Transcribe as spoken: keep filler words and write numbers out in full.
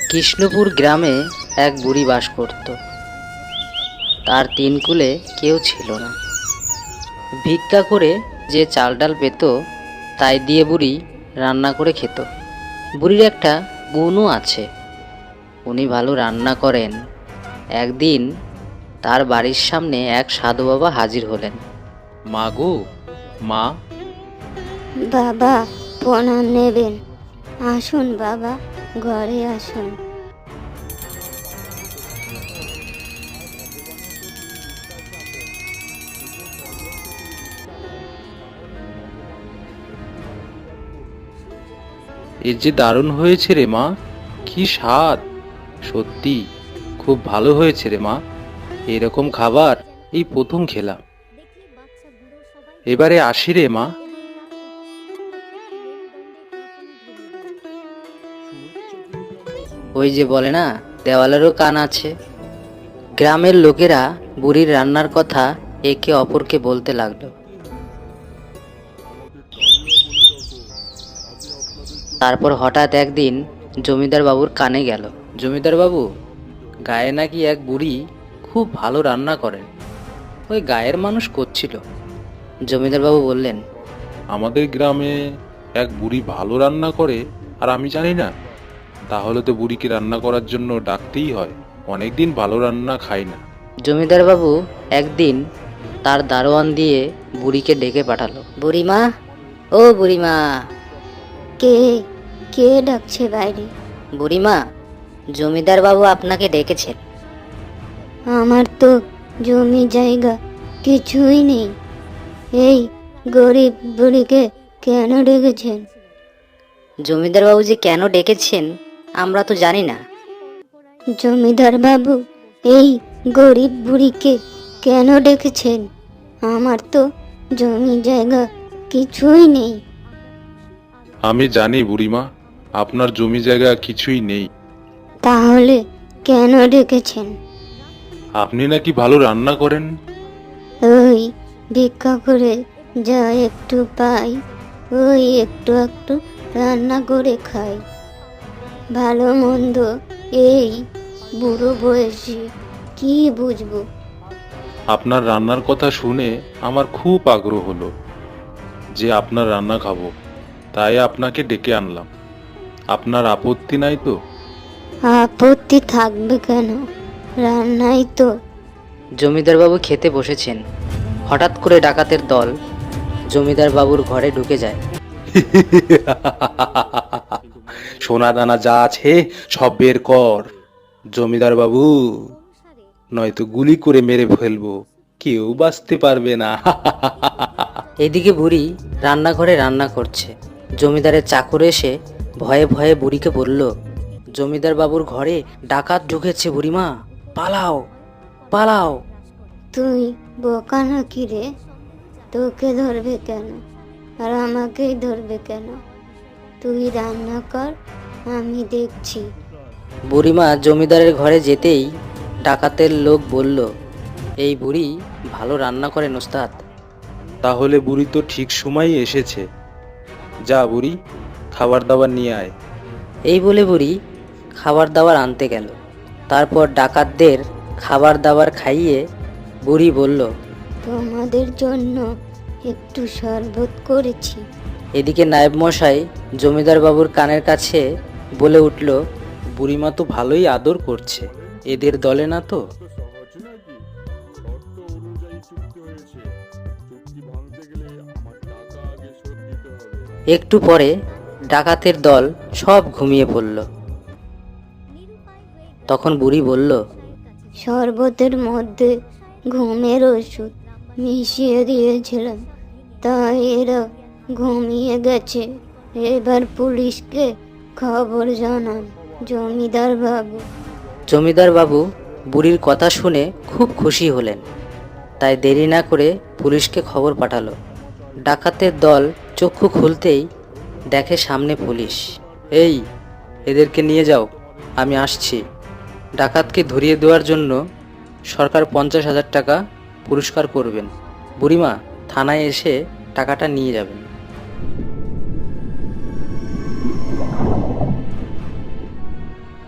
কৃষ্ণপুর গ্রামে এক বুড়ি বাস করত। তার তিন কুলে কেউ ছিল না। ভিক্ষা করে যে চাল ডাল পেত তাই দিয়ে বুড়ি রান্না করে খেত। বুড়ির একটা গুণও আছে, উনি ভালো রান্না করেন। একদিন তার বাড়ির সামনে এক সাধু বাবা হাজির হলেন। মা গো, মা। বাবা প্রণাম নেবেন, আসুন বাবা, ঘরে আসুন। এর যে দারুণ হয়েছে রে মা, কি স্বাদ! সত্যি খুব ভালো হয়েছে রে মা, এরকম খাবার এই প্রথম খেলাম। এবারে আসি রে মা। ওই যে বলে না, দেওয়ালেরও কান আছে। গ্রামের লোকেরা বুড়ির রান্নার কথা একে অপরকে বলতে লাগলো। তারপর হঠাৎ একদিন জমিদার বাবুর কানে গেল, জমিদার বাবু, গায়ে নাকি এক বুড়ি খুব ভালো রান্না করেন। ওই গায়ের মানুষ করছিল। জমিদার বাবু বললেন, আমাদের গ্রামে এক বুড়ি ভালো রান্না করে আর আমি জানি না? তাহলে তো বুড়িকে রান্না করার জন্য ডাকতেই হয়, অনেকদিন ভালো রান্না খাই না। জমিদার বাবু একদিন তার দারোয়ান দিয়ে বুড়িকে ডেকে পাঠালো। বুড়িমা, ও বুড়িমা। কে কে ডাকছে বাইরে? বুড়িমা, জমিদার বাবু আপনাকে ডেকেছেন। আমার তো জমি জায়গা কিছুই নেই, এই গরিব বুড়িকে কেন ডেকেছেন? জমিদার বাবু যে কেন ডেকেছেন আমরা তো জানি না। জমিদার বাবু এই গরিব বুড়িকে কেন ডেকেছেন? আমার তো জমি জায়গা কিছুই নেই। আমি জানি বুড়িমা, আপনার জমি জায়গা কিছুই নেই। তাহলে কেন ডেকেছেন? আপনি নাকি ভালো রান্না করেন। ওই ভিক্ষা করে যা একটু পাই, ওই একটু একটু রান্না করে খাই। ভালো মন্দ এই বুড়ো বয়সে কি বুঝবো? আপনার রান্নার কথা শুনে আমার খুব আগ্রহ হলো যে আপনার রান্না খাবো, তাই আপনাকে ডেকে আনলাম। আপনার আপত্তি নাই তো? আপত্তি থাকবে কেন, রান্নাই তো। জমিদার বাবু খেতে বসেছেন, হঠাৎ করে ডাকাতের দল জমিদার বাবুর ঘরে ঢুকে যায়। সোনা দানা যা আছে সব বের কর জমিদার বাবু, নয়তো গুলি করে মেরে ফেলবো, কেউ বাঁচতে পারবে না। এদিকে বুড়ি রান্নাঘরে রান্না করছে। জমিদারের চাকর এসে ভয়ে ভয়ে বুড়িকে বলল, জমিদার বাবুর ঘরে ডাকাত ঢুকেছে বুড়িমা, পালাও পালাও। তুই বোকা নাকি রে? তোকে ধরবে কেন, আর আমাকেই ধরবে কেন? তুই রান্না কর, আমি দেখছি। বুড়িমা জমিদারের ঘরে যেতেই ডাকাতের লোক বলল, এই বুড়ি ভালো রান্না করেন ওস্তাদ। তাহলে বুড়ি তো ঠিক সময়ই এসেছে, যা বুড়ি খাবার দাবার নিয়ে আয়। এই বলে বুড়ি খাবার দাবার আনতে গেল। তারপর ডাকাতদের খাবার দাবার খাইয়ে বুড়ি বলল, তোমাদের জন্য একটু শরবত করেছি। এদিকে নায়েব মশাই জমিদার বাবুর কানের কাছে বলে উঠল, বুড়িমা তো ভালোই আদর করছে, এদের দলে না তো? একটু পরে ডাকাতের দল সব ঘুমিয়ে পড়ল। তখন বুড়ি বলল, শরবতের মধ্যে ঘুমের ওষুধ মিশিয়ে দিয়েছিলাম, তাই এরা ঘুমিয়ে গেছে। এবার পুলিশকে খবর জানান জমিদার বাবু। জমিদার বাবু বুড়ির কথা শুনে খুব খুশি হলেন, তাই দেরি না করে পুলিশকে খবর পাঠালো। ডাকাতের দল চক্ষু খুলতেই দেখে সামনে পুলিশ। এই এদেরকে নিয়ে যাও, আমি আসছি। ডাকাতকে ধরিয়ে দেওয়ার জন্য সরকার পঞ্চাশ হাজার টাকা পুরস্কার করবেন। বুড়িমা থানায় এসে টাকাটা নিয়ে যাবেন।